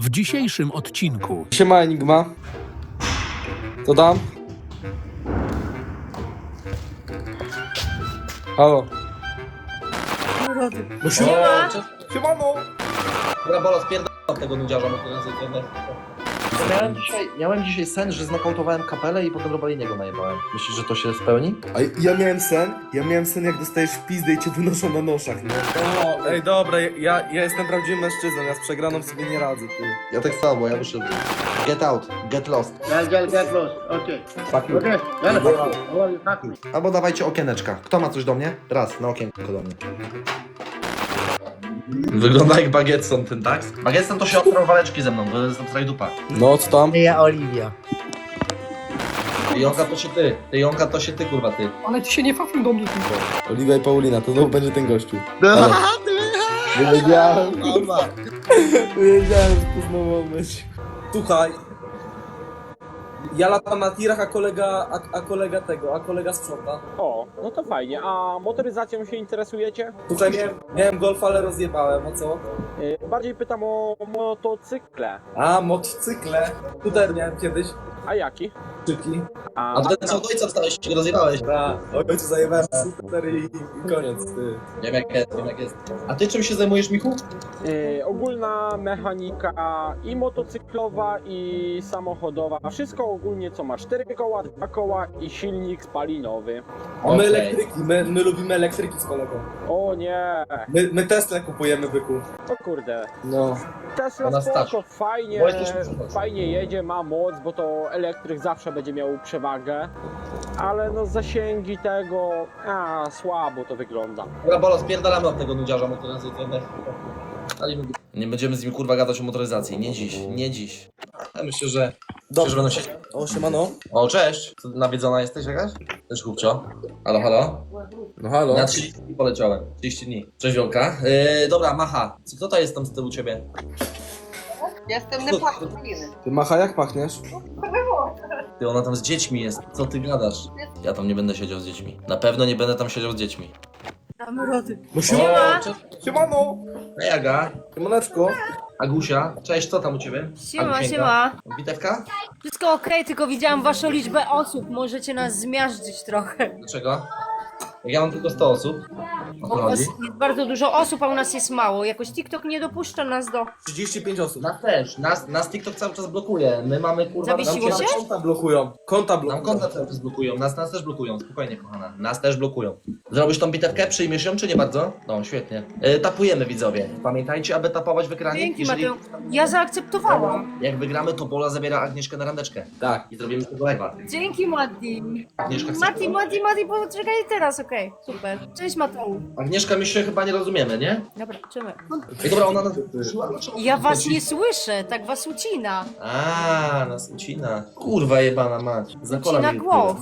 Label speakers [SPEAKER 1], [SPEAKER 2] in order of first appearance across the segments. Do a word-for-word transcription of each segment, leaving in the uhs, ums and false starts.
[SPEAKER 1] W dzisiejszym odcinku
[SPEAKER 2] Siema Enigma. Co tam? Halo. No
[SPEAKER 3] Siema.
[SPEAKER 2] Siemano.
[SPEAKER 4] Dobra, Bolo, spierdam tego nudziarza, bo to jest internet.
[SPEAKER 5] Miałem dzisiaj, miałem dzisiaj sen, że znokautowałem kapelę i potem Robaliniego najebałem. Myślisz, że to się spełni?
[SPEAKER 2] A ja miałem sen, ja miałem sen jak dostajesz w pizdę i cię wynoszą na noszach, nie? O, ej dobra, ja, ja jestem prawdziwym mężczyzną, ja z przegraną sobie nie radzę, ty.
[SPEAKER 5] Ja tak samo, ja wyszedłem. Get out, get lost.
[SPEAKER 3] Get, get, get lost. Okay.
[SPEAKER 5] Fuck you.
[SPEAKER 3] Okay. Well, how are you? Fuck me.
[SPEAKER 5] Albo dawajcie okieneczka. Kto ma coś do mnie? Raz, na okienko do mnie.
[SPEAKER 4] Wygląda jak Bagetson ten, tak? Bagetson to się otrą waleczki ze mną, bo jestem strajdupa.
[SPEAKER 2] No, co tam?
[SPEAKER 3] Ja Oliwia.
[SPEAKER 4] Ty Jonka to się ty, ty Jonka to się ty, kurwa ty.
[SPEAKER 6] Ale ty się nie fafił do mnie tylko.
[SPEAKER 2] Oliwia i Paulina, to znowu będzie ten gościu. Ale... Wiedziałem, kurwa. Wiedziałem, że to znowu ma być. Słuchaj. Ja latam na tirach, a kolega, a, a kolega tego, a kolega sprząta.
[SPEAKER 7] O, no to fajnie. A motoryzacją się interesujecie?
[SPEAKER 2] Słuchaj, miałem, miałem golfa, ale rozjebałem, a co?
[SPEAKER 7] Yy, bardziej pytam o motocykle.
[SPEAKER 2] A, motocykle. Tutaj miałem kiedyś.
[SPEAKER 7] A jaki?
[SPEAKER 2] Szybki.
[SPEAKER 7] A,
[SPEAKER 4] A ty co do ojca wstałeś, się rozjebałeś.
[SPEAKER 2] Da, ojcu zajebałem super i, i koniec, ty.
[SPEAKER 4] Wiem jak jest, wiem jak jest. A ty czym się zajmujesz, Michu?
[SPEAKER 7] yy, ogólna mechanika i motocyklowa, i samochodowa. Wszystko ogólnie, co ma cztery koła, dwa koła i silnik spalinowy.
[SPEAKER 2] A my
[SPEAKER 4] Okej.
[SPEAKER 2] elektryki, my, my lubimy elektryki z kolegą.
[SPEAKER 7] O nie,
[SPEAKER 2] My, my Tesla kupujemy, byku.
[SPEAKER 7] o kurde.
[SPEAKER 2] No.
[SPEAKER 7] Tesla
[SPEAKER 4] Ona stać.
[SPEAKER 7] spoko, fajnie,
[SPEAKER 4] Bo jesteśmy przychodzi.
[SPEAKER 7] fajnie jedzie, ma moc, bo to elektryk zawsze będzie miał przewagę. Ale no zasięgi tego, a słabo to wygląda.
[SPEAKER 4] Dobra, Bolo, spierdalamy od tego nudziarza, bo to jest internet. Nie będziemy z nim kurwa gadać o motoryzacji, nie dziś, nie dziś. Ja myślę, że... Dobrze, że będą się...
[SPEAKER 2] O, siemano.
[SPEAKER 4] O, cześć! Co, nawiedzona jesteś jakaś? Też chłopcio. Halo, halo?
[SPEAKER 2] No halo.
[SPEAKER 4] Na trzydzieści dni poleciałem. trzydzieści dni. Cześć Wiolka. Yy, dobra, Macha. Co, kto to jest tam z tyłu ciebie?
[SPEAKER 8] Jestem Nepaliny.
[SPEAKER 2] Ty, Macha, jak pachniesz?
[SPEAKER 4] Ty, ona tam z dziećmi jest. Co ty gadasz? Ja tam nie będę siedział z dziećmi. Na pewno nie będę tam siedział z dziećmi.
[SPEAKER 2] No
[SPEAKER 8] Siema.
[SPEAKER 2] Siemano.
[SPEAKER 4] Hej Aga.
[SPEAKER 2] Siemaneczko.
[SPEAKER 4] Agusia. Cześć, co tam u ciebie?
[SPEAKER 8] Siema,
[SPEAKER 4] Agusieńka?
[SPEAKER 8] siema.
[SPEAKER 4] Bitewka?
[SPEAKER 8] Wszystko okej, tylko widziałam waszą liczbę osób. Możecie nas zmiażdżyć trochę.
[SPEAKER 4] Dlaczego? Jak ja mam tylko sto osób. O
[SPEAKER 8] Bo
[SPEAKER 4] co
[SPEAKER 8] u was
[SPEAKER 4] chodzi?
[SPEAKER 8] jest bardzo dużo osób, a u nas jest mało. Jakoś TikTok nie dopuszcza nas do...
[SPEAKER 2] trzydzieści pięć osób.
[SPEAKER 4] Nas też. Nas, nas TikTok cały czas blokuje. My mamy kurwa...
[SPEAKER 8] Zawiesiło
[SPEAKER 4] nam-
[SPEAKER 8] się?
[SPEAKER 2] Konta blokują. Konta
[SPEAKER 4] Nam
[SPEAKER 2] blokują.
[SPEAKER 4] konta cały czas blokują. Nas, nas też blokują. Spokojnie, kochana. Nas też blokują. Zrobisz tą bitewkę? Przyjmiesz ją, czy nie bardzo? No, świetnie. E, tapujemy, widzowie. Pamiętajcie, aby tapować w ekranie.
[SPEAKER 8] Dzięki,
[SPEAKER 4] Jeżeli
[SPEAKER 8] Mateo. Ja zaakceptowałam.
[SPEAKER 4] jak wygramy, to Bola zabiera Agnieszkę na randeczkę.
[SPEAKER 2] Tak.
[SPEAKER 4] I zrobimy z tego live'a.
[SPEAKER 8] Dzięki, Mati.
[SPEAKER 4] Agnieszka, chcesz
[SPEAKER 8] Mati,
[SPEAKER 4] tego?
[SPEAKER 8] Mati, Mati, poczekaj teraz, okej. Super. Cześć, Mateu.
[SPEAKER 4] Agnieszka, my się chyba nie rozumiemy, nie?
[SPEAKER 8] Dobra, czymy.
[SPEAKER 4] Ej, dobra, ona nas...
[SPEAKER 8] Ja was nie słyszę, tak was ucina.
[SPEAKER 4] A, nas ucina. Kurwa jebana mać. Zakola
[SPEAKER 8] Ucina
[SPEAKER 4] mi-
[SPEAKER 8] głos.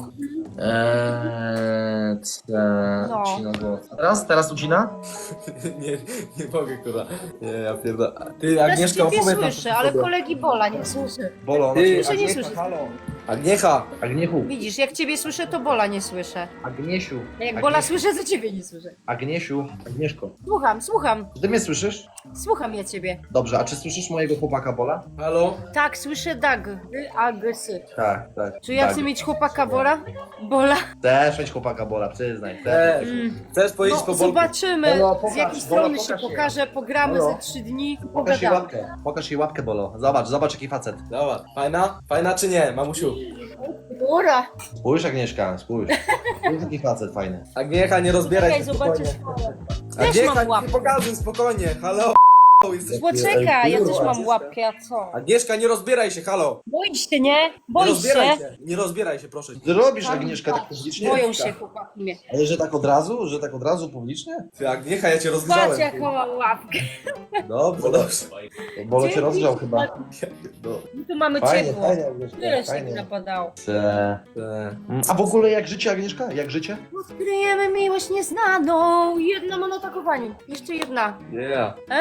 [SPEAKER 4] Eee, ce...
[SPEAKER 8] No.
[SPEAKER 4] ucina głos. Teraz? Teraz ucina?
[SPEAKER 2] nie, nie mogę, kurwa. Nie, ja pierdolę. Ty,
[SPEAKER 8] Też
[SPEAKER 2] Agnieszka,
[SPEAKER 8] ciebie
[SPEAKER 2] opowiedz nam
[SPEAKER 8] słyszę, ale kolegi Bola nie słyszę.
[SPEAKER 4] Bolo, ona
[SPEAKER 2] Ty,
[SPEAKER 8] Słyszę, nie słyszę.
[SPEAKER 2] Agniecha.
[SPEAKER 5] Agniechu,
[SPEAKER 8] Widzisz, jak ciebie słyszę, to Bola nie słyszę.
[SPEAKER 5] Agniesiu,
[SPEAKER 8] A jak Bola słyszę, to ciebie nie słyszę.
[SPEAKER 5] Agniesiu, Agnieszko.
[SPEAKER 8] Słucham, słucham.
[SPEAKER 5] Czy ty mnie słyszysz?
[SPEAKER 8] Słucham ja ciebie.
[SPEAKER 5] Dobrze, a czy słyszysz mojego chłopaka Bola?
[SPEAKER 2] Halo?
[SPEAKER 8] Tak, słyszę Dag. Ry, a, g, sy.
[SPEAKER 5] Tak, tak.
[SPEAKER 8] Czy ja
[SPEAKER 5] tak.
[SPEAKER 8] chcę mieć chłopaka Bola? Bola?
[SPEAKER 5] Chcesz mieć chłopaka Bola, przyznaj. Chcesz.
[SPEAKER 2] Też.
[SPEAKER 8] Mm.
[SPEAKER 2] Chcesz powiedzieć
[SPEAKER 8] No,
[SPEAKER 2] po bolku?
[SPEAKER 8] zobaczymy,
[SPEAKER 5] Bolo, pokaż,
[SPEAKER 8] z jakiej
[SPEAKER 5] Bola,
[SPEAKER 8] strony się
[SPEAKER 5] pokaż je.
[SPEAKER 8] pokaże, pogramy
[SPEAKER 5] Bolo.
[SPEAKER 8] ze trzy dni,
[SPEAKER 5] Pokaż jej
[SPEAKER 8] pogadamy.
[SPEAKER 5] łapkę, pokaż jej łapkę Bolo. Zobacz, zobacz jaki facet.
[SPEAKER 2] Dobra. Fajna? Fajna czy nie, mamusiu?
[SPEAKER 8] Ura!
[SPEAKER 5] Spójrz Agnieszka, spójrz. Spójrz jaki facet fajny.
[SPEAKER 2] Agniecha, nie rozbieraj
[SPEAKER 8] Czekaj,
[SPEAKER 2] się
[SPEAKER 8] zobaczysz.
[SPEAKER 2] spokojnie.
[SPEAKER 8] Też
[SPEAKER 2] Agniecha,
[SPEAKER 8] mam
[SPEAKER 2] nie
[SPEAKER 8] łapkę.
[SPEAKER 2] pokazuj, spokojnie. Halo? Jesteś...
[SPEAKER 8] Poczekaj, ja też
[SPEAKER 2] Kurwa,
[SPEAKER 8] mam łapkę, a co?
[SPEAKER 2] Agnieszka, nie rozbieraj się, halo.
[SPEAKER 8] Boisz się, nie?
[SPEAKER 2] Nie
[SPEAKER 8] Boisz
[SPEAKER 2] rozbieraj
[SPEAKER 8] się?
[SPEAKER 2] się. Nie rozbieraj się, proszę.
[SPEAKER 5] Ty robisz Agnieszka tak publicznie?
[SPEAKER 8] Boją się chłopaki mnie.
[SPEAKER 5] Ale że tak od razu? Że tak od razu publicznie?
[SPEAKER 2] Ty, Agniecha, ja cię
[SPEAKER 8] Patrz
[SPEAKER 2] rozgrzałem.
[SPEAKER 8] jaką mam łapkę.
[SPEAKER 2] Dobrze, dobrze.
[SPEAKER 5] Bolo cię
[SPEAKER 8] Dzięki.
[SPEAKER 5] rozgrzał chyba.
[SPEAKER 2] No.
[SPEAKER 8] My tu mamy
[SPEAKER 5] Fajnie,
[SPEAKER 8] ciepło.
[SPEAKER 5] fajnie Agnieszka,
[SPEAKER 8] Tyle się
[SPEAKER 5] fajnie.
[SPEAKER 8] napadało.
[SPEAKER 5] Te-
[SPEAKER 2] Te-
[SPEAKER 5] A w ogóle jak życie Agnieszka? Jak życie?
[SPEAKER 8] Odkryjemy miłość nieznaną. Jedna ma na takowaniu. Jeszcze jedna.
[SPEAKER 2] Yeah.
[SPEAKER 8] E?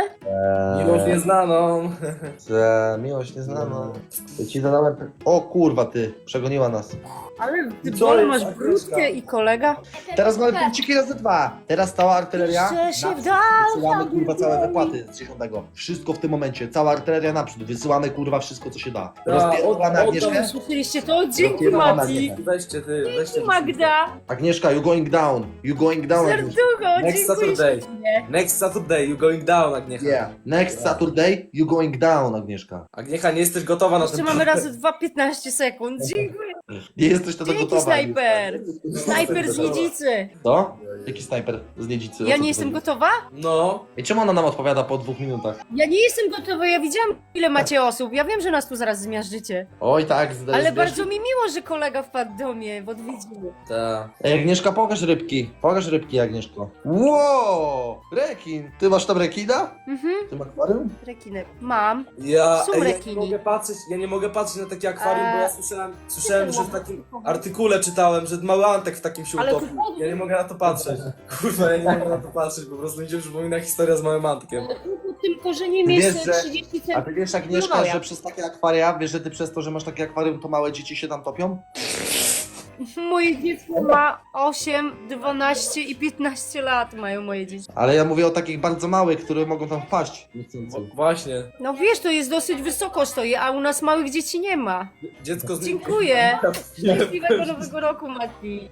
[SPEAKER 5] Eee,
[SPEAKER 2] Miłość nieznaną.
[SPEAKER 5] eee, miłość nieznaną. Ja ci zadałem... O kurwa ty, przegoniła nas.
[SPEAKER 8] Ale ty
[SPEAKER 2] Co
[SPEAKER 8] Bolo,
[SPEAKER 2] jest,
[SPEAKER 8] masz brudkę i kolega?
[SPEAKER 5] Teraz mamy punkciki razy dwa. Teraz cała artyleria.
[SPEAKER 8] Jeszcze się
[SPEAKER 5] naprzód.
[SPEAKER 8] wdał,
[SPEAKER 5] Wysyłamy
[SPEAKER 8] tam
[SPEAKER 5] kurwa całe
[SPEAKER 8] biegnie.
[SPEAKER 5] wypłaty z dziesiątego. Wszystko w tym momencie. Cała artyleria naprzód. Wysyłamy kurwa wszystko co się da.
[SPEAKER 2] od-
[SPEAKER 5] Rozpierdolamy
[SPEAKER 2] od-
[SPEAKER 5] Agnieszkę.
[SPEAKER 8] Słyszeliście to? Dzięki,
[SPEAKER 5] Rozpierdolamy
[SPEAKER 8] Mati!
[SPEAKER 5] Agnieszkę.
[SPEAKER 2] Weźcie ty, weźcie.
[SPEAKER 8] Magda!
[SPEAKER 5] Agnieszka, you going down. You going down. Agnieszka.
[SPEAKER 8] Serducho,
[SPEAKER 2] Next
[SPEAKER 8] dziękuję
[SPEAKER 2] Saturday.
[SPEAKER 8] ślicznie.
[SPEAKER 2] Next Saturday, you going down, Agniecha.
[SPEAKER 5] Yeah. Next Saturday, you going down, Agnieszka.
[SPEAKER 2] Agniecha, nie jesteś gotowa na
[SPEAKER 8] Jeszcze
[SPEAKER 2] ten
[SPEAKER 8] mamy razy dwa piętnaście sekund. Dziękuję.
[SPEAKER 5] Nie jesteś to
[SPEAKER 8] Dzięki,
[SPEAKER 5] gotowa.
[SPEAKER 8] snajper! Snajper z Niedzicy!
[SPEAKER 5] To? Jaki snajper z Niedzicy? O
[SPEAKER 8] Ja
[SPEAKER 5] co
[SPEAKER 8] nie
[SPEAKER 5] tu
[SPEAKER 8] jestem
[SPEAKER 5] chodzi?
[SPEAKER 8] gotowa?
[SPEAKER 2] No.
[SPEAKER 5] I czemu ona nam odpowiada po dwóch minutach?
[SPEAKER 8] Ja nie jestem gotowa, ja widziałam ile macie osób. Ja wiem, że nas tu zaraz zmiażdżycie.
[SPEAKER 5] Oj tak, zda-
[SPEAKER 8] Ale
[SPEAKER 5] zda-
[SPEAKER 8] bardzo mi miło, że kolega wpadł do mnie w odwiedziny.
[SPEAKER 2] Ta.
[SPEAKER 5] Ej, Agnieszka, pokaż rybki. Pokaż rybki, Agnieszko. Wow! Rekin! Ty masz tam rekina?
[SPEAKER 8] Mhm,
[SPEAKER 5] Ty masz akwarium?
[SPEAKER 8] rekinę. Mam.
[SPEAKER 2] Ja,
[SPEAKER 8] Są
[SPEAKER 2] ej, ja nie
[SPEAKER 8] rekini.
[SPEAKER 2] mogę patrzeć, ja nie mogę patrzeć na takie akwarium, bo ja
[SPEAKER 8] Eee,
[SPEAKER 2] słyszałem, słyszałem, że w takim artykule czytałem, że mały Antek w takim się
[SPEAKER 8] Ale
[SPEAKER 2] utopił.
[SPEAKER 8] to-
[SPEAKER 2] Ja nie mogę na to patrzeć. Kurwa, ja nie mogę na to patrzeć, po prostu mi się przypomina historia z małym Antkiem.
[SPEAKER 8] Pod tym korzeniem
[SPEAKER 5] Wiesz,
[SPEAKER 8] jest
[SPEAKER 5] że-
[SPEAKER 8] trzydzieści
[SPEAKER 5] A
[SPEAKER 8] centymetrów.
[SPEAKER 5] ty wiesz, Agnieszka,
[SPEAKER 8] No ja.
[SPEAKER 5] że przez takie akwaria, wiesz, że ty przez to, że masz takie akwarium, to małe dzieci się tam topią?
[SPEAKER 8] Moje dziecko ma osiem, dwanaście i piętnaście lat mają moje dzieci.
[SPEAKER 5] Ale ja mówię o takich bardzo małych, które mogą tam wpaść.
[SPEAKER 2] Wo- Właśnie.
[SPEAKER 8] No wiesz, to jest dosyć wysoko stoi, a u nas małych dzieci nie ma.
[SPEAKER 2] Dziecko z
[SPEAKER 8] Dziękuję. Szczęśliwego nowego roku, Mati.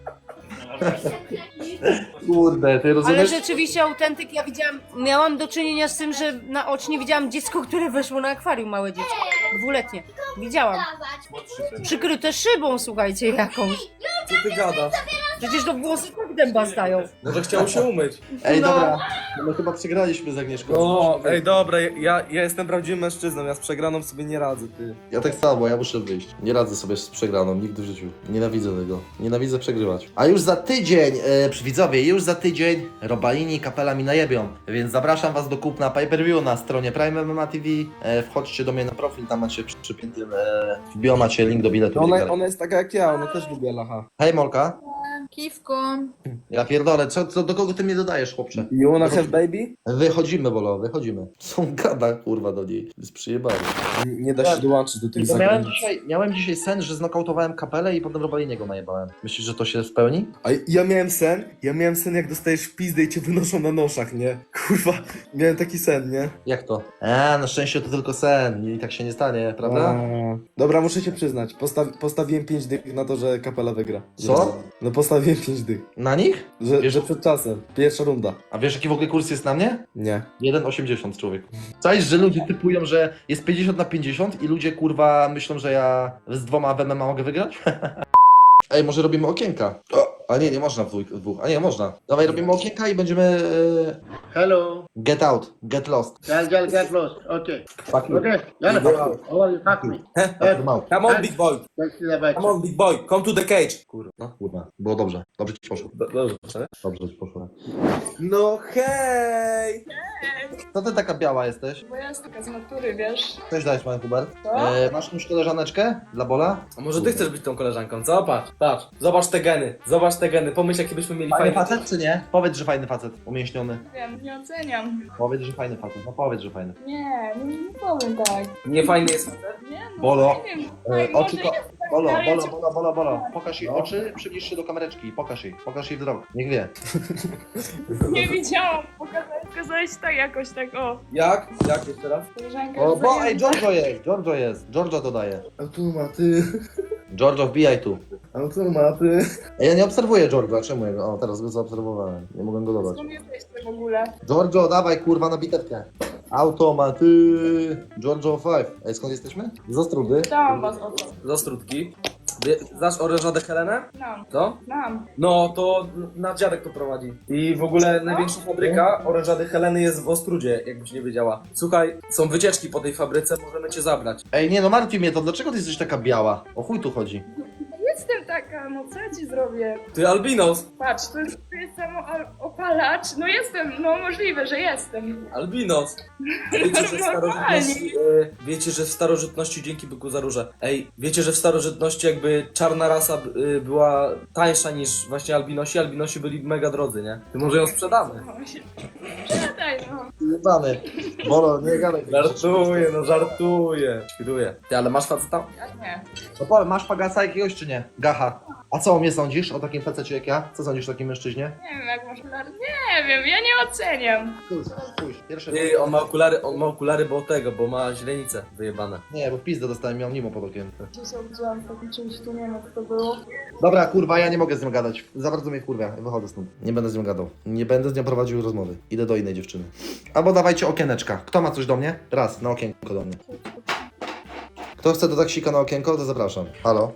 [SPEAKER 5] Kurde, ty
[SPEAKER 8] Ale
[SPEAKER 5] rozumiesz?
[SPEAKER 8] rzeczywiście autentyk, ja widziałam, miałam do czynienia z tym, że naocznie widziałam dziecko, które weszło na akwarium, małe dziecko. Dwuletnie. Widziałam. Przykryte szybą, słuchajcie, jakąś.
[SPEAKER 2] Co ty gadasz?
[SPEAKER 8] Przecież to włosy tak dęba stają.
[SPEAKER 2] Może chciał się umyć.
[SPEAKER 5] Ej,
[SPEAKER 8] No.
[SPEAKER 5] dobra, my chyba przegraliśmy z Agnieszką.
[SPEAKER 2] O, ej, dobra, ja, ja jestem prawdziwym mężczyzną, ja z przegraną sobie nie radzę, ty.
[SPEAKER 5] Ja tak samo, ja muszę wyjść. Nie radzę sobie z przegraną, nigdy w życiu. Nienawidzę tego. Nienawidzę przegrywać. A już za tydzień, e, przy widzowie, już za tydzień Robalini i Kapela mi najebią. Więc zapraszam was do kupna pay-per-view na stronie Prime M M A T V. E, wchodźcie do mnie na profil, tam macie przy, przypiętym, e, w bio macie link do biletu.
[SPEAKER 2] Ona, ona jest taka jak ja, ona też lubi lacha.
[SPEAKER 5] Hej Molka.
[SPEAKER 9] Kiwko.
[SPEAKER 5] Ja pierdolę, co, co, do kogo ty mnie dodajesz, chłopcze?
[SPEAKER 2] You wanna have baby?
[SPEAKER 5] Wychodzimy, Bolo, wychodzimy. Są gada, kurwa, do niej. Jest przyjebany.
[SPEAKER 2] Nie da się dołączyć do tych
[SPEAKER 5] Miałem
[SPEAKER 2] zagranic.
[SPEAKER 5] dzisiaj, miałem dzisiaj sen, że znokautowałem Kapelę i potem Robaliniego najebałem. Myślisz, że to się spełni?
[SPEAKER 2] A ja miałem sen, ja miałem sen jak dostajesz w pizdę i cię wynoszą na noszach, nie? Kurwa, miałem taki sen, nie?
[SPEAKER 5] Jak to? A, na szczęście to tylko sen i tak się nie stanie, prawda?
[SPEAKER 2] A, dobra, muszę się przyznać, postaw, postawiłem pięć dych na to, że Kapela wygra.
[SPEAKER 5] Co?
[SPEAKER 2] No postawiłem pięć dych,
[SPEAKER 5] Na nich?
[SPEAKER 2] że,
[SPEAKER 5] Wiesz-
[SPEAKER 2] że przed czasem, pierwsza runda.
[SPEAKER 5] A wiesz jaki w ogóle kurs jest na mnie?
[SPEAKER 2] Nie.
[SPEAKER 5] jeden osiemdziesiąt człowiek. Cześć, że ludzie typują, że jest pięćdziesiąt na pięćdziesiąt i ludzie kurwa myślą, że ja z dwoma w M M A mogę wygrać? Ej, może robimy okienka? O, a nie, nie można w dwóch, w dwóch. A nie, można. Dawaj, robimy okienka i będziemy... E,
[SPEAKER 3] Hello.
[SPEAKER 5] get out, get lost.
[SPEAKER 3] Jal Jal get lost. Okay.
[SPEAKER 5] Fuck you.
[SPEAKER 3] Okay. Yalla. Oh, you fuck me.
[SPEAKER 5] Fuck you out.
[SPEAKER 2] Come on, big boy,
[SPEAKER 3] Let's see the back.
[SPEAKER 2] come on, big boy, come to the cage. Kurwa.
[SPEAKER 5] No, kurwa, było dobrze. Dobrze ci poszło.
[SPEAKER 2] Dobrze,
[SPEAKER 5] Dobrze ci poszło.
[SPEAKER 2] no hej!
[SPEAKER 5] Co ty taka biała jesteś?
[SPEAKER 9] Bo ja jestem taka z natury, wiesz?
[SPEAKER 5] Cześć, dajesz, pan Hubert.
[SPEAKER 9] Co?
[SPEAKER 5] E, masz już koleżaneczkę dla Bola?
[SPEAKER 2] A może ty chcesz być tą koleżanką, co? Patrz, patrz, zobacz te geny, zobacz te geny, pomyśl jaki byśmy mieli
[SPEAKER 5] Fajny
[SPEAKER 2] fajny...
[SPEAKER 5] facet czy nie? Powiedz, że fajny facet, umięśniony.
[SPEAKER 9] Wiem, nie oceniam.
[SPEAKER 5] Powiedz, że fajny facet, no powiedz, że fajny.
[SPEAKER 9] Nie, nie, nie powiem tak.
[SPEAKER 2] Nie fajny jest facet?
[SPEAKER 9] Nie, no,
[SPEAKER 5] Bolo,
[SPEAKER 9] nie wiem.
[SPEAKER 5] E,
[SPEAKER 9] Ej,
[SPEAKER 5] oczy
[SPEAKER 9] może
[SPEAKER 5] ko-
[SPEAKER 9] jest tak,
[SPEAKER 5] Bolo,
[SPEAKER 9] ale ja
[SPEAKER 5] bolo,
[SPEAKER 9] cię-
[SPEAKER 5] bolo, bolo, bolo. Pokaż jej oczy, przybliż się do kamereczki. Pokaż jej, pokaż jej wzrok. Niech wie.
[SPEAKER 9] Nie widziałam. Pokazałeś, pokazałeś tak jakoś tak, o.
[SPEAKER 2] Jak? Jak jeszcze raz?
[SPEAKER 9] Koleżanka
[SPEAKER 5] O,
[SPEAKER 9] jest
[SPEAKER 5] bo,
[SPEAKER 9] zajęta.
[SPEAKER 5] ej, Giorgio jest, Giorgio jest. Giorgio dodaje.
[SPEAKER 2] Automaty,
[SPEAKER 5] Giorgio, wbijaj tu.
[SPEAKER 2] automaty.
[SPEAKER 5] Ej, ja nie obserwuję Giorgio, czemu jego? O, teraz go zaobserwowałem. Nie mogę go dodać.
[SPEAKER 9] Skąd jesteście w ogóle?
[SPEAKER 5] Giorgio, dawaj kurwa na bitewkę. Automaty. Giorgio pięć. Ej, skąd jesteśmy? Z Ostródy.
[SPEAKER 9] Dałam was o to.
[SPEAKER 2] Z Ostródki. Wie- Znasz orężadę Helenę?
[SPEAKER 9] Znam,
[SPEAKER 2] Co?
[SPEAKER 9] znam.
[SPEAKER 2] No, to na dziadek to prowadzi. I w ogóle największa fabryka orężady Heleny jest w Ostrudzie, jakbyś nie wiedziała. Słuchaj, są wycieczki po tej fabryce, możemy cię zabrać.
[SPEAKER 5] Ej, nie no martwi mnie to, dlaczego ty jesteś taka biała? O chuj tu chodzi.
[SPEAKER 9] Jestem taka, no co ja ci zrobię?
[SPEAKER 2] Ty albinos!
[SPEAKER 9] Patrz, to jest jest samo opalacz. No jestem, no możliwe, że jestem.
[SPEAKER 2] Albinos. Wiecie, że w starożytności, e, wiecie, że w starożytności, dzięki byku za róże. Ej, wiecie, że w starożytności jakby czarna rasa e, była tańsza niż właśnie albinosi. Albinosi byli mega drodzy, nie? Ty może ją sprzedamy.
[SPEAKER 9] Sprzedaj, no.
[SPEAKER 5] Jebany. Bolo, nie gadaj.
[SPEAKER 2] Żartuję, no żartuję. Świruję. Ty, ale masz faceta?
[SPEAKER 9] Ja nie.
[SPEAKER 5] No powiem, masz pagasa jakiegoś czy nie? Gacha. A co o mnie sądzisz? O takim facecie jak ja? Co sądzisz o takim mężczyźnie?
[SPEAKER 9] Nie wiem, jak masz okulary. Nie wiem, ja nie oceniam.
[SPEAKER 5] Pójdź, pójdź. Pierwsze...
[SPEAKER 2] Ty, on ma okulary, on ma okulary, bo tego, bo ma źrenicę wyjebane.
[SPEAKER 5] Nie, bo pizdę dostałem, miał nimo pod okiem.
[SPEAKER 9] Gdzieś się obudziłam w takim czymś, tu nie wiem, jak to było.
[SPEAKER 5] Dobra, kurwa, ja nie mogę z nią gadać. Za bardzo mnie wkurwia. Wychodzę stąd. Nie będę z nią gadał. Nie będę z nią prowadził rozmowy. Idę do innej dziewczyny. Albo dawajcie okieneczka. Kto ma coś do mnie? Raz, na okienko do mnie. Kto chce do taksika na okienko, to zapraszam. Halo?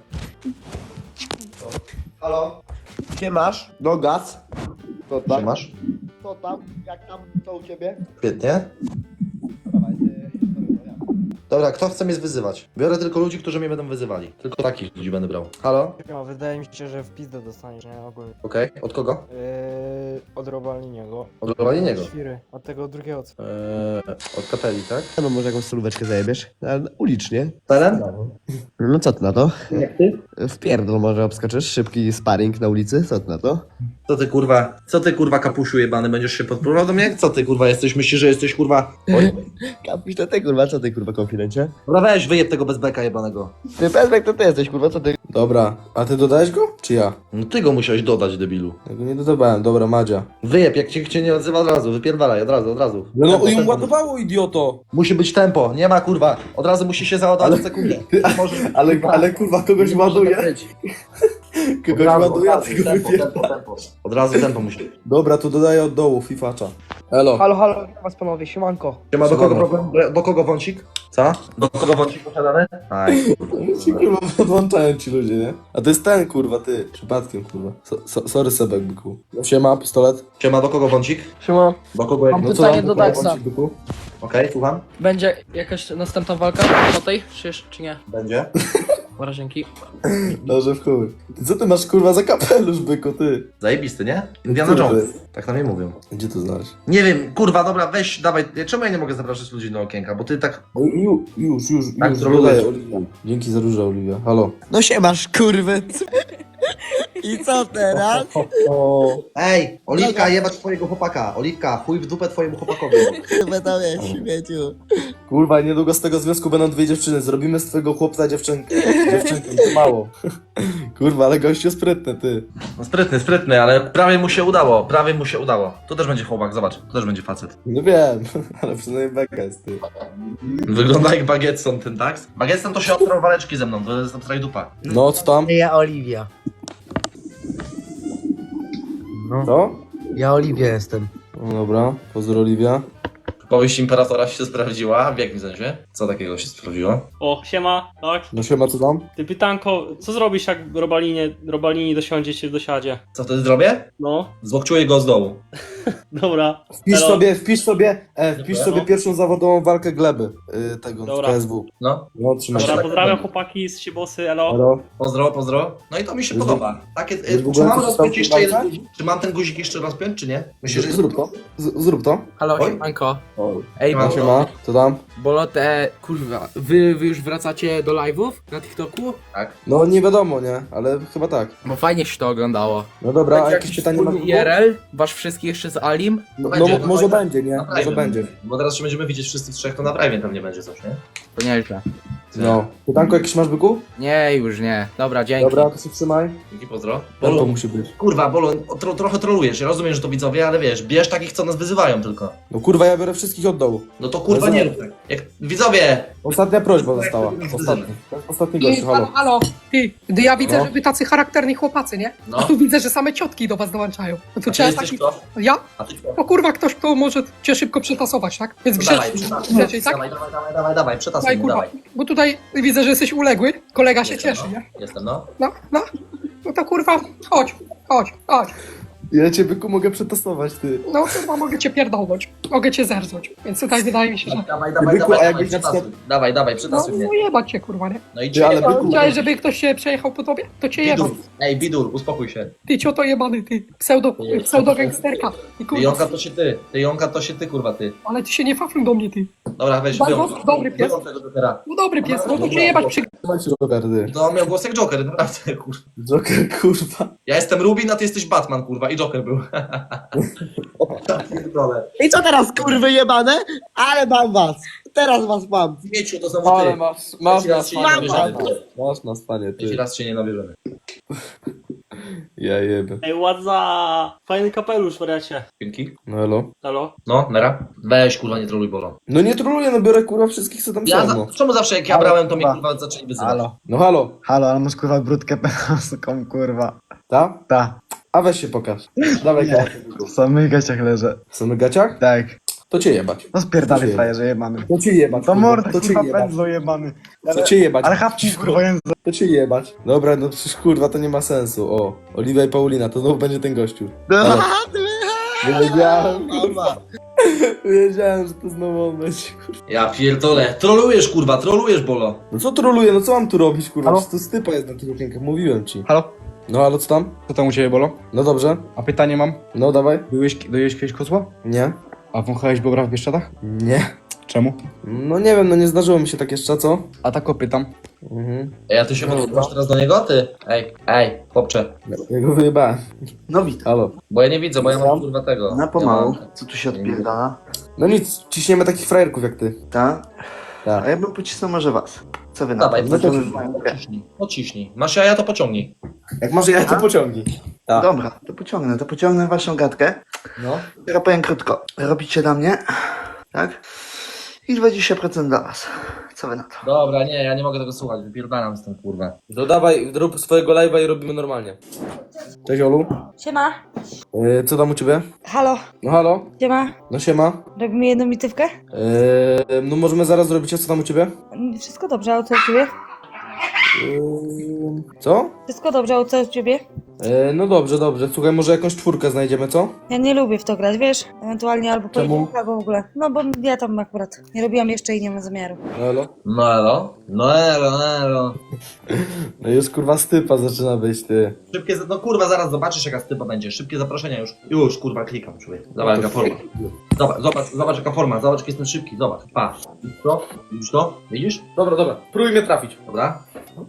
[SPEAKER 5] Halo?
[SPEAKER 10] Gdzie masz? No gaz. To
[SPEAKER 5] Gdzie
[SPEAKER 10] tam.
[SPEAKER 5] masz?
[SPEAKER 10] Co tam? Jak tam? Co u ciebie?
[SPEAKER 5] Świetnie.
[SPEAKER 10] Dawaj, ty.
[SPEAKER 5] Dobra, kto chce mnie wyzywać? Biorę tylko ludzi, którzy mnie będą wyzywali. Tylko takich ludzi będę brał. Halo?
[SPEAKER 11] No, wydaje mi się, że w pizdę dostaniesz, nie? Ogólnie.
[SPEAKER 5] Okej. Od kogo?
[SPEAKER 11] Yy, od Robaliniego.
[SPEAKER 5] Od Robaliniego?
[SPEAKER 11] Świry. Od tego drugiego co?
[SPEAKER 5] Eee, od kapeli, tak?
[SPEAKER 10] No może jakąś solóweczkę zajebiesz? Ale ulicznie.
[SPEAKER 5] Teren?
[SPEAKER 10] No co ty na to?
[SPEAKER 5] Jak ty?
[SPEAKER 10] W pierdol może obskoczysz? Szybki sparring na ulicy? Co ty na to?
[SPEAKER 5] Co ty kurwa, co ty kurwa kapusiu jebany, będziesz się podpływał do mnie? Co ty kurwa jesteś, myślisz, że jesteś kurwa... Oj.
[SPEAKER 10] Kapisz to ty kurwa, co ty kurwa konfidencie?
[SPEAKER 5] Dobra weź, wyjeb tego bezbeka jebanego.
[SPEAKER 10] Ty Pezbek to ty jesteś kurwa, co ty?
[SPEAKER 2] Dobra, a ty dodałeś go? Czy ja?
[SPEAKER 5] No ty go musiałeś dodać, debilu.
[SPEAKER 2] Ja go nie dodawałem, dobra, Madzia.
[SPEAKER 5] Wyjeb, jak cię, cię nie odzywa od razu, wypierdalaj, od razu, od razu.
[SPEAKER 2] No,
[SPEAKER 5] Tempo,
[SPEAKER 2] no ją
[SPEAKER 5] tempo.
[SPEAKER 2] ładowało, idioto!
[SPEAKER 5] Musi być tempo, nie ma kurwa, od razu musi się załadować w sekundę. Możesz...
[SPEAKER 2] Ale, ale kurwa, kogoś ładuje. Kogoś ładuje, a ty go
[SPEAKER 5] tempo,
[SPEAKER 2] wypierdala.
[SPEAKER 5] tempo, tempo. Od razu tempo musi.
[SPEAKER 2] Dobra, tu dodaję od dołu, fifacza. Elo.
[SPEAKER 6] Halo, halo, witam was panowie, siemanko.
[SPEAKER 5] Siema, do kogo,
[SPEAKER 2] Siemano.
[SPEAKER 5] problem, do kogo wącik? Co? Do kogo wącik posiadany? Aj,
[SPEAKER 2] Ci kurwa podłączają ci ludzie, nie? A to jest ten kurwa, ty. Przypadkiem kurwa. So, so, sorry Sebek, byku. Siema, pistolet.
[SPEAKER 5] Siema, do kogo wącik?
[SPEAKER 6] Siema.
[SPEAKER 5] Do kogo jak...
[SPEAKER 6] Mam
[SPEAKER 2] No co
[SPEAKER 6] pytanie
[SPEAKER 2] tam,
[SPEAKER 6] do
[SPEAKER 2] kurwa,
[SPEAKER 6] Daxa.
[SPEAKER 2] wąsik, byku?
[SPEAKER 5] Okej, słucham?
[SPEAKER 6] Będzie jakaś następna walka po tej, czy, jeszcze- czy nie?
[SPEAKER 5] Będzie.
[SPEAKER 6] Dobra, dzięki.
[SPEAKER 2] Dobrze, w chuj. Ty co ty masz kurwa za kapelusz, byku, ty?
[SPEAKER 5] Zajebisty, nie? Indiana
[SPEAKER 2] Który to
[SPEAKER 5] Jones.
[SPEAKER 2] jest?
[SPEAKER 5] Tak na mnie mówią.
[SPEAKER 2] Gdzie to znaleźć?
[SPEAKER 5] Nie wiem, kurwa, dobra, weź, dawaj. Czemu ja nie mogę zapraszać ludzi do okienka? Bo ty tak...
[SPEAKER 2] O, ju, już, już,
[SPEAKER 5] Tak,
[SPEAKER 2] już,
[SPEAKER 5] zrobię.
[SPEAKER 2] dodaję, Oliwia. Dzięki za różę, Oliwia. Halo.
[SPEAKER 10] No się masz kurwy. I co teraz?
[SPEAKER 2] O,
[SPEAKER 5] Ej, Oliwka, jebać twojego chłopaka. Oliwka, chuj w dupę twojemu chłopakowi.
[SPEAKER 10] Kurwa tam jest, śmieciu.
[SPEAKER 2] kurwa, niedługo z tego związku będą dwie dziewczyny. Zrobimy z twojego chłopca dziewczynkę. Dziewczynkę, to mało. Kurwa, ale gościu sprytny, ty.
[SPEAKER 5] No sprytny, sprytny, ale prawie mu się udało, prawie mu się udało. Tu też będzie chłopak, zobacz, tu też będzie facet.
[SPEAKER 2] No wiem, ale przynajmniej beka jest, ty.
[SPEAKER 5] Wygląda jak Bagetson ten, tak? Bagetson to się odtrął waleczki ze mną, to jest tutaj dupa.
[SPEAKER 2] No, co tam?
[SPEAKER 10] Ja Oliwia.
[SPEAKER 2] Co?
[SPEAKER 10] Ja Oliwia jestem.
[SPEAKER 2] No dobra, pozdro Oliwia.
[SPEAKER 4] Powieść Imperatora się sprawdziła, w jakim sensie? Co takiego się sprawdziło?
[SPEAKER 12] O, siema, tak?
[SPEAKER 2] No siema, co tam?
[SPEAKER 12] Ty pytanko, co zrobisz jak Robalinie, Robalini dosiądzie cię w dosiadzie?
[SPEAKER 4] Co wtedy zrobię?
[SPEAKER 12] No,
[SPEAKER 4] Złokczuję go z dołu.
[SPEAKER 12] dobra.
[SPEAKER 2] Wpisz
[SPEAKER 12] Elo.
[SPEAKER 2] sobie, wpisz sobie, e, wpisz
[SPEAKER 12] Dobra,
[SPEAKER 2] sobie
[SPEAKER 12] no.
[SPEAKER 2] pierwszą zawodową walkę Gleby, y, tego,
[SPEAKER 12] Dobra.
[SPEAKER 2] z K S W.
[SPEAKER 4] No,
[SPEAKER 2] No, trzymaj się.
[SPEAKER 12] Dobra,
[SPEAKER 4] tak,
[SPEAKER 12] pozdrawiam
[SPEAKER 4] tak.
[SPEAKER 12] chłopaki z Siebosy, elo.
[SPEAKER 2] Halo?
[SPEAKER 4] pozdro, pozdro. No i to mi się
[SPEAKER 2] Jest
[SPEAKER 4] podoba. Takie,
[SPEAKER 2] jest
[SPEAKER 4] y,
[SPEAKER 2] w
[SPEAKER 4] czy
[SPEAKER 2] ogóle
[SPEAKER 4] mam
[SPEAKER 2] coś
[SPEAKER 4] rozpiąć
[SPEAKER 2] tam
[SPEAKER 4] jeszcze
[SPEAKER 2] w
[SPEAKER 4] jeden
[SPEAKER 2] walce?
[SPEAKER 4] guzik? Czy mam ten guzik jeszcze rozpiąć, czy nie? Myślisz, że
[SPEAKER 2] Zrób to, Z, zrób to.
[SPEAKER 6] Halo,
[SPEAKER 4] Oj.
[SPEAKER 6] siemanko.
[SPEAKER 2] O,
[SPEAKER 6] Ej,
[SPEAKER 4] Siema.
[SPEAKER 6] bo,
[SPEAKER 2] siema, co tam?
[SPEAKER 6] Bolote, kurwa, wy, wy już wracacie do live'ów na TikToku?
[SPEAKER 2] No nie wiadomo, nie? Ale chyba tak.
[SPEAKER 6] Bo fajnie się to oglądało.
[SPEAKER 2] No dobra, a
[SPEAKER 6] Będzie
[SPEAKER 2] jakieś
[SPEAKER 6] jakiś
[SPEAKER 2] pytanie masz?
[SPEAKER 6] wspólny I R L? Wasz wszystkich jeszcze z Alim?
[SPEAKER 2] No,
[SPEAKER 4] Będzie,
[SPEAKER 2] no,
[SPEAKER 4] no
[SPEAKER 2] może
[SPEAKER 4] fajnie.
[SPEAKER 2] będzie, nie?
[SPEAKER 4] Na
[SPEAKER 2] Może
[SPEAKER 4] privie
[SPEAKER 2] będzie.
[SPEAKER 4] Bo teraz się będziemy widzieć wszyscy w trzech, to na privie pewnie będzie coś, nie?
[SPEAKER 6] To nieźle.
[SPEAKER 2] No. Pytanko jakieś masz, byku?
[SPEAKER 6] Nie, już nie. Dobra, dzięki.
[SPEAKER 2] Dobra, to się trzymaj.
[SPEAKER 4] Dzięki, pozdro.
[SPEAKER 2] To
[SPEAKER 4] Bolo,
[SPEAKER 2] musi być.
[SPEAKER 4] kurwa, Bolo, tro, trochę trolujesz. Ja rozumiem, że to widzowie, ale wiesz, bierz takich, co nas wyzywają tylko.
[SPEAKER 2] No kurwa, ja biorę wszystkich od dołu.
[SPEAKER 4] No to kurwa
[SPEAKER 2] Ale
[SPEAKER 4] nie
[SPEAKER 2] za-
[SPEAKER 4] rób tak. Jak widzowie!
[SPEAKER 2] Ostatnia prośba została. Ostatni. To jest ostatni gościu, halo.
[SPEAKER 6] halo, ty, gdy ja widzę,
[SPEAKER 2] No.
[SPEAKER 6] że wy tacy charakterni chłopacy, nie?
[SPEAKER 4] No.
[SPEAKER 6] A tu widzę, że same ciotki do was dołączają. No to
[SPEAKER 4] A ty
[SPEAKER 6] trzeba
[SPEAKER 4] jesteś
[SPEAKER 6] taki...
[SPEAKER 4] kto?
[SPEAKER 6] Ja?
[SPEAKER 4] A ty kto?
[SPEAKER 6] O kurwa, ktoś, kto może cię szybko przetasować, tak? Więc
[SPEAKER 4] No
[SPEAKER 6] grzecznie,
[SPEAKER 4] dawaj, przetasuj,
[SPEAKER 6] grzecznie, tak?
[SPEAKER 4] dawaj, dawaj, dawaj, dawaj, dawaj, przetasuj
[SPEAKER 6] Daj,
[SPEAKER 4] mu,
[SPEAKER 6] kurwa,
[SPEAKER 4] dawaj.
[SPEAKER 6] bo tutaj widzę, że jesteś uległy, kolega się
[SPEAKER 4] Jestem,
[SPEAKER 6] cieszy,
[SPEAKER 4] no.
[SPEAKER 6] nie?
[SPEAKER 4] Jestem, no.
[SPEAKER 6] No, no, no to kurwa, chodź, chodź, chodź.
[SPEAKER 2] Ja cię byku mogę przetestować, ty.
[SPEAKER 9] No chyba mogę cię pierdolnąć. Mogę cię zerznąć. Więc tutaj wydaje mi się, że...
[SPEAKER 4] Dawaj, dawaj,
[SPEAKER 2] Byku,
[SPEAKER 4] dawaj,
[SPEAKER 2] a
[SPEAKER 4] dawaj,
[SPEAKER 2] jakbyś na
[SPEAKER 4] przetasuj.
[SPEAKER 2] przykład-
[SPEAKER 4] Dawaj, dawaj,
[SPEAKER 9] No,
[SPEAKER 4] przetasuj mnie.
[SPEAKER 9] no jebać cię kurwa, nie?
[SPEAKER 4] No i
[SPEAKER 2] Ty, ale
[SPEAKER 4] cię.
[SPEAKER 2] byku,
[SPEAKER 9] Chciałeś, żeby ktoś się przejechał po tobie? To cię jebać.
[SPEAKER 4] Bidur, ej, Bidur, uspokój się.
[SPEAKER 9] Ty cioto jebany, ty. Pseudo, pseudo gangsterka. I
[SPEAKER 4] Ty
[SPEAKER 9] kurwa,
[SPEAKER 4] Jonka to się ty, ty Jonka to się ty, kurwa, ty.
[SPEAKER 9] ale ty się nie fafluj do mnie, ty.
[SPEAKER 4] Dobra, weź,
[SPEAKER 9] Bardzo
[SPEAKER 4] wyłącz.
[SPEAKER 9] dobry pies.
[SPEAKER 4] Wyłącz tego Jokera.
[SPEAKER 9] No dobry pies, no to cię jebać przy...
[SPEAKER 2] Trzymaj się, Joker, ty.
[SPEAKER 4] No, on miał głos jak Joker, naprawdę, kurwa.
[SPEAKER 2] Joker, kurwa.
[SPEAKER 4] Ja jestem Rubin, a ty jesteś Batman, kurwa, i Joker był. Pierdolę.
[SPEAKER 3] I co teraz, kurwy jebane? Ale mam was. Teraz was mam.
[SPEAKER 4] Mieciu, to znowu ty.
[SPEAKER 2] Ale masz, masz
[SPEAKER 4] Trzeci
[SPEAKER 2] na
[SPEAKER 4] raz się nie
[SPEAKER 2] spanie,
[SPEAKER 4] nabierzemy.
[SPEAKER 2] masz na spanie,
[SPEAKER 4] Trzeci
[SPEAKER 2] ty.
[SPEAKER 4] raz się nie nabierzemy.
[SPEAKER 2] Ja jebę.
[SPEAKER 12] Ej, ładza! Fajny kapelusz, wariacie.
[SPEAKER 4] Dzięki.
[SPEAKER 2] No elo.
[SPEAKER 12] Halo?
[SPEAKER 4] No, nera. Weź, kurwa, nie troluj, Bolo.
[SPEAKER 2] No nie troluję, no biorę kurwa wszystkich, co tam
[SPEAKER 4] Ja
[SPEAKER 2] są,
[SPEAKER 4] za,
[SPEAKER 2] no.
[SPEAKER 4] czemu zawsze jak ja
[SPEAKER 11] Halo,
[SPEAKER 4] brałem, to mnie
[SPEAKER 11] kurwa.
[SPEAKER 4] kurwa zaczęli wyzywać?
[SPEAKER 11] Halo,
[SPEAKER 2] No halo.
[SPEAKER 11] halo, ale masz kurwa brudkę penaską, kurwa.
[SPEAKER 2] Ta?
[SPEAKER 11] Ta,
[SPEAKER 2] A weź się pokaż. Dawaj,
[SPEAKER 11] Nie. w samych gaciach leżę.
[SPEAKER 2] W samych gaciach?
[SPEAKER 11] Tak.
[SPEAKER 2] To cię jebać.
[SPEAKER 11] No spierdalaj
[SPEAKER 2] Dziękuję.
[SPEAKER 11] frajerze jebany.
[SPEAKER 2] To cię jebać.
[SPEAKER 11] To
[SPEAKER 2] kurwa.
[SPEAKER 11] mordę,
[SPEAKER 2] To cię
[SPEAKER 11] kurwa,
[SPEAKER 2] jebać.
[SPEAKER 11] pędzlo jebany.
[SPEAKER 2] To cię jebać.
[SPEAKER 11] Ale chapnij kurwa język.
[SPEAKER 2] To cię jebać. Dobra, no przecież kurwa to nie ma sensu. O, Oliwia i Paulina, to znowu będzie ten gościu. Wiedziałem, kurwa. Wiedziałem, że to znowu on będzie, kurwa.
[SPEAKER 4] Ja pierdolę. Trolujesz, kurwa, trolujesz, Bolo.
[SPEAKER 2] No co troluję, no co mam tu robić, kurwa?
[SPEAKER 11] Halo?
[SPEAKER 2] Przecież to stypa jest na tych okienkach, mówiłem ci.
[SPEAKER 11] Halo?
[SPEAKER 2] No ale co tam?
[SPEAKER 11] Co tam u ciebie bolo?
[SPEAKER 2] No dobrze.
[SPEAKER 11] A pytanie mam.
[SPEAKER 2] No dawaj.
[SPEAKER 11] Byłeś, dojeść kiedyś kozła?
[SPEAKER 2] Nie.
[SPEAKER 11] A wąchałeś bobra w Bieszczadach?
[SPEAKER 2] Nie.
[SPEAKER 11] Czemu?
[SPEAKER 2] No nie wiem, no nie zdarzyło mi się tak jeszcze, co?
[SPEAKER 11] A tak o pytam.
[SPEAKER 2] Mhm.
[SPEAKER 4] Ej, a ty się
[SPEAKER 2] No,
[SPEAKER 4] podsuwasz teraz do niego, ty? Ej, ej, chłopcze.
[SPEAKER 2] Ja go wyjebałem.
[SPEAKER 3] No witam.
[SPEAKER 2] Halo.
[SPEAKER 4] Bo ja nie widzę, bo ja mam kurwa tego.
[SPEAKER 3] Na pomału.
[SPEAKER 4] Ja mam-
[SPEAKER 3] Co tu się odpierdala?
[SPEAKER 2] No nic, ciśniemy takich frajerków jak ty.
[SPEAKER 3] Tak?
[SPEAKER 2] Tak.
[SPEAKER 3] A ja bym pocisnął może was. Co wy na
[SPEAKER 4] Dawaj,
[SPEAKER 3] to?
[SPEAKER 2] no to-
[SPEAKER 3] Zobaczymy.
[SPEAKER 4] Pociśnij, pociśnij. Masz jaja, to pociągnij.
[SPEAKER 2] Jak może ja to pociągnij. Tak.
[SPEAKER 3] Dobra, to pociągnę, to pociągnę waszą gadkę.
[SPEAKER 2] No.
[SPEAKER 3] Ja powiem krótko. Robicie dla mnie, tak? I dwadzieścia procent dla was. Co wy na to?
[SPEAKER 4] Dobra, nie, ja nie mogę tego słuchać, wypierdalam z tym, kurwa.
[SPEAKER 2] No dawaj, rób swojego live'a i robimy normalnie. Cześć Olu.
[SPEAKER 8] Siema.
[SPEAKER 2] Yy, co tam u ciebie?
[SPEAKER 8] Halo.
[SPEAKER 2] No halo?
[SPEAKER 8] Siema.
[SPEAKER 2] No siema.
[SPEAKER 8] Robimy jedną bitywkę?
[SPEAKER 2] Yy, no możemy zaraz zrobić, a co tam u ciebie?
[SPEAKER 8] Wszystko dobrze, a co u ciebie?
[SPEAKER 2] Yy, co?
[SPEAKER 8] Wszystko dobrze, a co u ciebie?
[SPEAKER 2] Yy, no dobrze, dobrze. Słuchaj, może jakąś czwórkę znajdziemy, co?
[SPEAKER 8] Ja nie lubię w to grać, wiesz? Ewentualnie albo
[SPEAKER 2] Czemu?
[SPEAKER 8] pojedynkę, albo w ogóle. No bo ja tam akurat nie robiłam jeszcze i nie mam zamiaru.
[SPEAKER 2] No elo.
[SPEAKER 4] No elo, no elo, no elo.
[SPEAKER 2] No już kurwa stypa zaczyna być, ty.
[SPEAKER 4] Szybkie, za- no kurwa, zaraz zobaczysz jaka stypa będzie. Szybkie zaproszenia już. Już, kurwa, klikam, człowiek. Zobacz jaka forma. Zobacz, zobacz, zobacz jaka forma, zobacz jak jestem szybki, zobacz. Pa. Widzisz to? Widzisz to? Widzisz?
[SPEAKER 2] Dobra, dobra. Próbuj mnie trafić.
[SPEAKER 4] Dobra.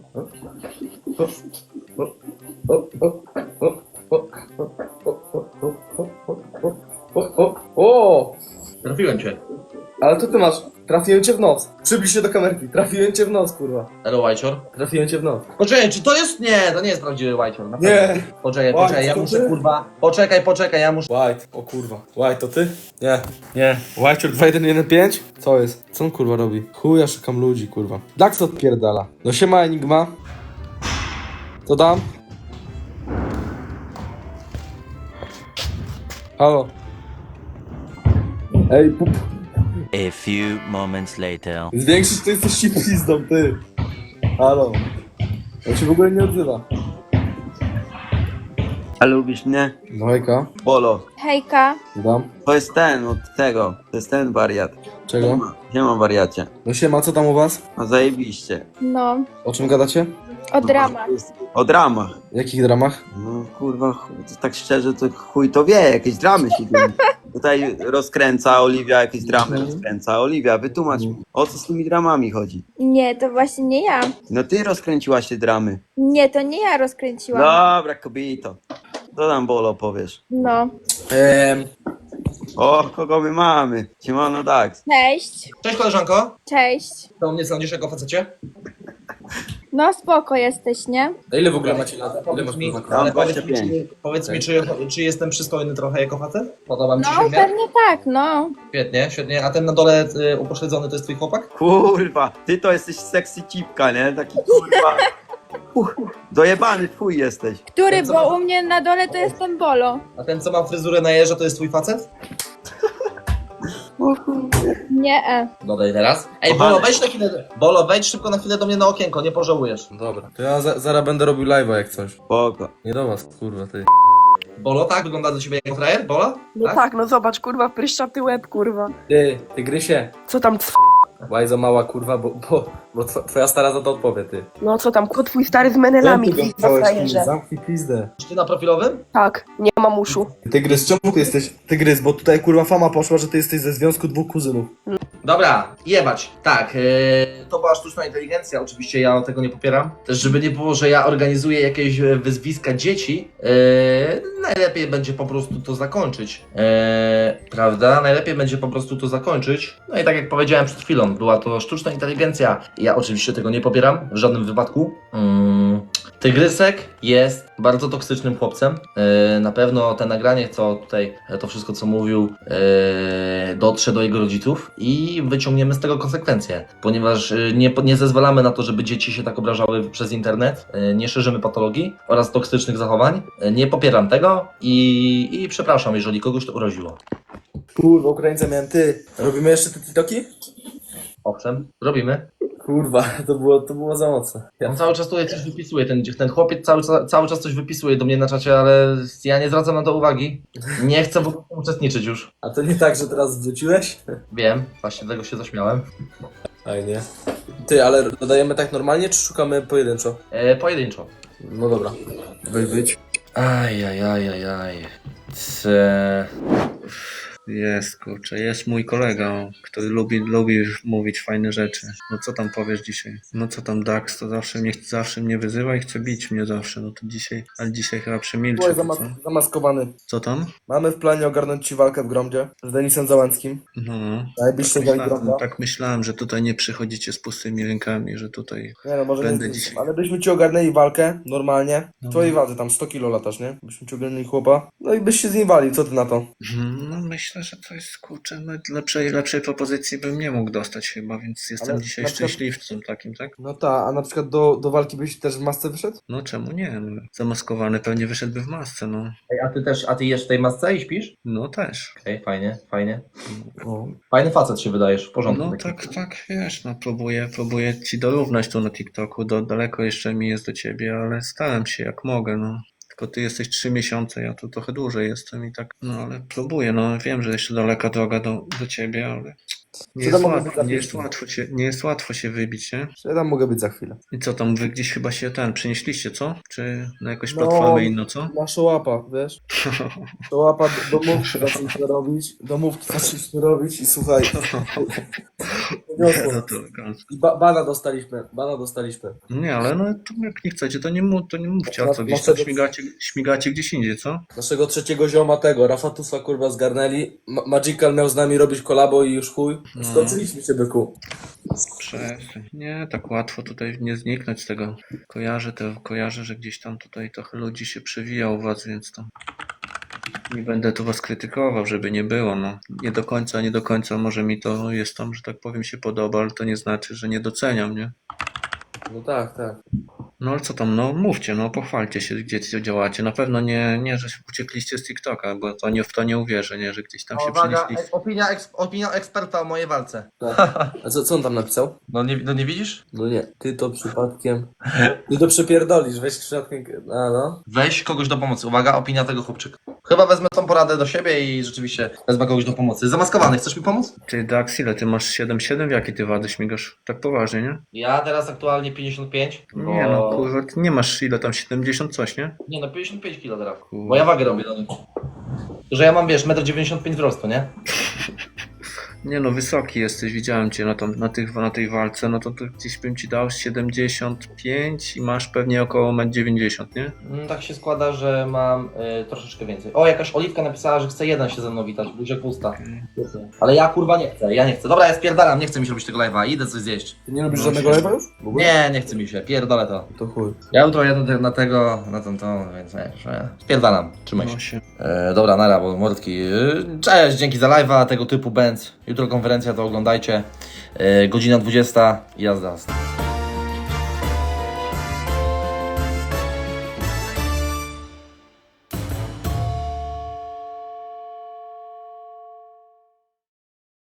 [SPEAKER 2] O, o, o!
[SPEAKER 4] Trafiłem cię.
[SPEAKER 2] Ale to ty masz. Trafiłem cię w nos. Przybliż się do kamerki. Trafiłem cię w nos, kurwa.
[SPEAKER 4] Elo, Whiteshore.
[SPEAKER 2] Trafiłem cię w nos.
[SPEAKER 4] Poczekaj, czy to jest? Nie, to nie jest prawdziwy Whiteshore. na
[SPEAKER 2] Nie.
[SPEAKER 4] pewno. Poczekaj,
[SPEAKER 2] White,
[SPEAKER 4] poczekaj, ja
[SPEAKER 2] to
[SPEAKER 4] muszę,
[SPEAKER 2] ty?
[SPEAKER 4] kurwa. Poczekaj, poczekaj, ja muszę.
[SPEAKER 2] White, o kurwa. White, to ty? Nie. Nie. White dwa jeden jeden pięć? Co jest? Co on kurwa robi? Chuj, ja szukam ludzi, kurwa. Dax odpierdala. No siema Enigma. Co tam? Halo. Ej, pup.
[SPEAKER 13] A few moments later.
[SPEAKER 2] Zwiększysz to jesteś ci pizdą, ty. Halo. On się w ogóle nie odzywa.
[SPEAKER 10] A lubisz mnie?
[SPEAKER 2] No hejka.
[SPEAKER 10] Bolo.
[SPEAKER 8] Hejka.
[SPEAKER 2] Dam.
[SPEAKER 10] To jest ten od tego. To jest ten wariat.
[SPEAKER 2] Czego?
[SPEAKER 10] Nie mam wariacie.
[SPEAKER 2] No siema, co tam u was?
[SPEAKER 10] No zajebiście.
[SPEAKER 8] No,
[SPEAKER 2] O czym gadacie?
[SPEAKER 8] o dramach.
[SPEAKER 10] O dramach.
[SPEAKER 2] W jakich dramach?
[SPEAKER 10] No kurwa, chuj, to tak szczerze to chuj to wie, jakieś dramy się dzieją. Tutaj rozkręca Oliwia, jakieś dramy rozkręca. Oliwia, wytłumacz mi, o co z tymi dramami chodzi?
[SPEAKER 8] Nie, to właśnie nie ja.
[SPEAKER 10] No ty rozkręciłaś te dramy.
[SPEAKER 8] Nie, to nie ja rozkręciłam.
[SPEAKER 10] Dobra, kobieto. Co tam Bolo powiesz?
[SPEAKER 8] No.
[SPEAKER 2] Ehm,
[SPEAKER 10] O, kogo my mamy? Siemano Dax.
[SPEAKER 8] Cześć.
[SPEAKER 4] Cześć koleżanko.
[SPEAKER 8] Cześć.
[SPEAKER 4] To mnie sądzisz jako facecie?
[SPEAKER 8] No spoko jesteś, nie?
[SPEAKER 2] a ile w ogóle macie lat? Ile
[SPEAKER 4] Powiedz
[SPEAKER 2] masz
[SPEAKER 4] mi,
[SPEAKER 2] kurwa?
[SPEAKER 4] ale powiedz
[SPEAKER 10] dwadzieścia
[SPEAKER 4] mi,
[SPEAKER 10] pięć.
[SPEAKER 4] czy, powiedz mi czy, czy jestem przystojny trochę jako facet? Podoba mi ci
[SPEAKER 8] No
[SPEAKER 4] się?
[SPEAKER 8] pewnie tak, no.
[SPEAKER 4] Świetnie, świetnie. A ten na dole y, upośledzony to jest twój chłopak?
[SPEAKER 10] Kurwa, ty to jesteś sexy cipka, nie? Taki kurwa. Uch, dojebany twój jesteś.
[SPEAKER 8] Który,
[SPEAKER 4] Ten, co
[SPEAKER 8] bo
[SPEAKER 4] ma-
[SPEAKER 8] u mnie na dole to jest ten bolo.
[SPEAKER 4] A ten co ma fryzurę na jeża to jest twój facet?
[SPEAKER 8] Nie, e.
[SPEAKER 4] Dodaj teraz. Ej,
[SPEAKER 10] Kochany.
[SPEAKER 4] Bolo, wejdź na chwilę. Bolo, wejdź szybko na chwilę do mnie na okienko, nie pożałujesz.
[SPEAKER 2] Dobra. To ja za, zaraz będę robił live'a jak coś.
[SPEAKER 10] Spoko.
[SPEAKER 2] Nie do was, kurwa, ty.
[SPEAKER 4] Bolo, tak? Wygląda do ciebie jako frajer? Bola?
[SPEAKER 9] No tak, no zobacz, kurwa, pryszczaty łeb, kurwa.
[SPEAKER 2] Ty, tygrysie.
[SPEAKER 9] Co tam, c...
[SPEAKER 2] Łajzo mała kurwa, bo, bo, bo tw- twoja stara za to odpowie, ty.
[SPEAKER 9] No co tam, kot twój stary z menelami, pizda frajerze.
[SPEAKER 2] Zamknij pizdę.
[SPEAKER 4] Czy ty na profilowym?
[SPEAKER 9] Tak, nie mam uszu.
[SPEAKER 2] Tygrys, czemu ty jesteś tygrys? Bo tutaj kurwa fama poszła, że ty jesteś ze związku dwóch kuzynów.
[SPEAKER 4] Dobra, jebać. Tak, yy, to była sztuczna inteligencja, oczywiście ja tego nie popieram. Też żeby nie było, że ja organizuję jakieś e, wyzwiska dzieci, yy, najlepiej będzie po prostu to zakończyć. Yy, prawda? Najlepiej będzie po prostu to zakończyć. No i tak jak powiedziałem przed chwilą, była to sztuczna inteligencja. Ja oczywiście tego nie popieram w żadnym wypadku. Yy, Tygrysek jest bardzo toksycznym chłopcem. Yy, na pewno te nagranie, co tutaj, to wszystko co mówił, yy, dotrze do jego rodziców i wyciągniemy z tego konsekwencje, ponieważ yy, nie, nie zezwalamy na to, żeby dzieci się tak obrażały przez internet, yy, nie szerzymy patologii oraz toksycznych zachowań. Yy, nie popieram tego i, i przepraszam, jeżeli kogoś to uraziło.
[SPEAKER 2] Kurwa, Ukraińca miałem ty. Robimy jeszcze te TikToki?
[SPEAKER 4] Owszem, robimy.
[SPEAKER 2] Kurwa, to było, to było za mocne. Ja...
[SPEAKER 4] On cały czas tutaj coś wypisuje, ten, ten chłopiec cały, cały czas coś wypisuje do mnie na czacie, ale ja nie zwracam na to uwagi. Nie chcę w ogóle uczestniczyć już.
[SPEAKER 2] A to nie tak, że teraz wrzuciłeś?
[SPEAKER 4] Wiem, właśnie tego się zaśmiałem.
[SPEAKER 2] Fajnie. Ty, ale dodajemy tak normalnie, czy szukamy pojedynczo?
[SPEAKER 4] E, pojedynczo.
[SPEAKER 2] No dobra. Wy być.
[SPEAKER 6] Ajajajajaj. C... Jest, kurczę, jest mój kolega, który lubi, lubi mówić fajne rzeczy. No co tam powiesz dzisiaj? No co tam Dax, to zawsze mnie, zawsze mnie wyzywa i chce bić mnie zawsze, no to dzisiaj, ale dzisiaj chyba przemilczy.
[SPEAKER 2] Byłeś
[SPEAKER 6] to
[SPEAKER 2] zamas
[SPEAKER 6] co?
[SPEAKER 2] zamaskowany.
[SPEAKER 6] Co tam?
[SPEAKER 2] Mamy w planie ogarnąć ci walkę w Gromdzie z Denisem Załęckim.
[SPEAKER 6] No, no.
[SPEAKER 2] Najbliższy
[SPEAKER 6] Tak
[SPEAKER 2] dzień
[SPEAKER 6] myślałem,
[SPEAKER 2] Gromda.
[SPEAKER 6] tak myślałem, że tutaj nie przychodzicie z pustymi rękami, że tutaj
[SPEAKER 2] Nie no, może
[SPEAKER 6] będę
[SPEAKER 2] nie
[SPEAKER 6] dzisiaj.
[SPEAKER 2] ale byśmy ci ogarnęli walkę, normalnie. W
[SPEAKER 6] No.
[SPEAKER 2] twojej wadze, tam sto kilo latasz, nie? Byśmy ci ogarnęli chłopa. No i byś się z nim walił, co ty na to?
[SPEAKER 6] Mhm, no myślę, że to jest, kurczę, no, lepszej, lepszej propozycji bym nie mógł dostać chyba, więc jestem
[SPEAKER 2] Ale
[SPEAKER 6] dzisiaj
[SPEAKER 2] na przykład-
[SPEAKER 6] szczęśliwcem takim, tak?
[SPEAKER 2] No tak, a na przykład do, do walki byś też w masce wyszedł?
[SPEAKER 6] No czemu nie? No, zamaskowany pewnie wyszedłby w masce, no.
[SPEAKER 4] Ej, a ty też, a ty jesz w tej masce i śpisz?
[SPEAKER 6] No też.
[SPEAKER 4] Okej, okay, fajnie, fajnie.
[SPEAKER 2] O.
[SPEAKER 4] Fajny facet się wydajesz, w porządku.
[SPEAKER 6] No
[SPEAKER 4] taki.
[SPEAKER 6] tak, tak, wiesz, no próbuję, próbuję ci dorównać tu na TikToku, do, daleko jeszcze mi jest do ciebie, ale staram się jak mogę, no. Tylko ty jesteś trzy miesiące, ja tu trochę dłużej jestem i tak, no ale próbuję, no wiem, że jeszcze daleka droga do, do ciebie, ale nie
[SPEAKER 2] Co
[SPEAKER 6] jest,
[SPEAKER 2] tam mogę
[SPEAKER 6] łatwo,
[SPEAKER 2] być
[SPEAKER 6] nie,
[SPEAKER 2] za
[SPEAKER 6] jest
[SPEAKER 2] chwilę?
[SPEAKER 6] łatwo się, nie jest łatwo się wybić, nie?
[SPEAKER 2] Ja tam mogę być za chwilę.
[SPEAKER 6] I co tam, wy gdzieś chyba się ten, przenieśliście, co? Czy na jakąś
[SPEAKER 2] No,
[SPEAKER 6] platformę inną, co?
[SPEAKER 2] Na Szołapa, wiesz? Szołapa, domówki zaczęliśmy robić, domówki zaczęliśmy robić i słuchaj,
[SPEAKER 6] No to elegancko.
[SPEAKER 2] i ba bana dostaliśmy, bana dostaliśmy.
[SPEAKER 6] Nie, ale no to jak nie chcecie, to nie, mów, to nie mówcie, a co, gdzieś tam
[SPEAKER 2] Naszego-
[SPEAKER 6] śmigacie, śmigacie gdzieś indziej, co?
[SPEAKER 2] Naszego trzeciego zioma tego, Rafatusa kurwa zgarnęli, Ma Magical miał z nami robić kolabo i już chuj.
[SPEAKER 6] No.
[SPEAKER 2] Skończyliśmy się, byku.
[SPEAKER 6] Przestań. Nie, tak łatwo tutaj nie zniknąć z tego. Kojarzę to, kojarzę, że gdzieś tam tutaj trochę ludzi się przewija u was, więc tam nie będę tu was krytykował, żeby nie było, no. Nie do końca, nie do końca może mi to jest tam, że tak powiem, się podoba, ale to nie znaczy, że nie doceniam, nie?
[SPEAKER 2] No tak, tak.
[SPEAKER 6] No ale co tam, no mówcie, no pochwalcie się, gdzie działacie. Na pewno nie, nie, że uciekliście z TikToka, bo to nie, w to nie uwierzę, nie, że gdzieś tam się
[SPEAKER 4] Uwaga,
[SPEAKER 6] przenieśliście.
[SPEAKER 4] e, opinia, eks, opinia eksperta o mojej walce.
[SPEAKER 2] A co, co on tam napisał?
[SPEAKER 4] No nie, no nie widzisz?
[SPEAKER 2] No nie, ty to przypadkiem... Ty to przepierdolisz, weź przypadkiem... A no.
[SPEAKER 4] Weź kogoś do pomocy. Uwaga, opinia tego chłopczyka. Chyba wezmę tą poradę do siebie i rzeczywiście wezmę kogoś do pomocy. Zamaskowany, chcesz mi pomóc?
[SPEAKER 6] Ty, Dax, ile ty masz siedem siedem? W jakie ty wady śmigasz? Tak poważnie, nie?
[SPEAKER 4] Ja teraz aktualnie pięćdziesiąt pięć. Bo...
[SPEAKER 6] Nie no, kurwa, ty nie masz ile tam, siedemdziesiąt coś, nie?
[SPEAKER 4] Nie no, pięćdziesiąt pięć kilo teraz.
[SPEAKER 6] Kurwa.
[SPEAKER 4] Bo ja wagę robię do nich. Że ja mam, wiesz, metr dziewięćdziesiąt pięć wzrostu, nie?
[SPEAKER 6] Nie no, wysoki jesteś, widziałem cię na, tam, na, tych, na tej walce, no to, to gdzieś bym ci dał siedemdziesiąt pięć i masz pewnie około metr dziewięćdziesiąt, nie?
[SPEAKER 4] Mm, tak się składa, że mam y, troszeczkę więcej. O, jakaś Oliwka napisała, że chce jeden się ze mną witać, buziak w usta. Ale ja kurwa nie chcę, ja nie chcę. Dobra, ja spierdalam, nie chcę mi się robić tego live'a, idę coś zjeść.
[SPEAKER 2] Ty nie lubisz
[SPEAKER 6] No,
[SPEAKER 2] żadnego
[SPEAKER 6] się-
[SPEAKER 2] live'a już? W ogóle?
[SPEAKER 4] Nie, nie chce mi się, pierdolę to.
[SPEAKER 2] To chuj.
[SPEAKER 4] Ja jutro jadę na tego, na ten to, więc nie, że spierdalam, trzymaj się.
[SPEAKER 6] No się.
[SPEAKER 4] E, dobra, nara, bo mordki. E, cześć, dzięki za live'a, tego typu bęc. Jutro konferencja, to oglądajcie. E, godzina dwudziesta, jazda.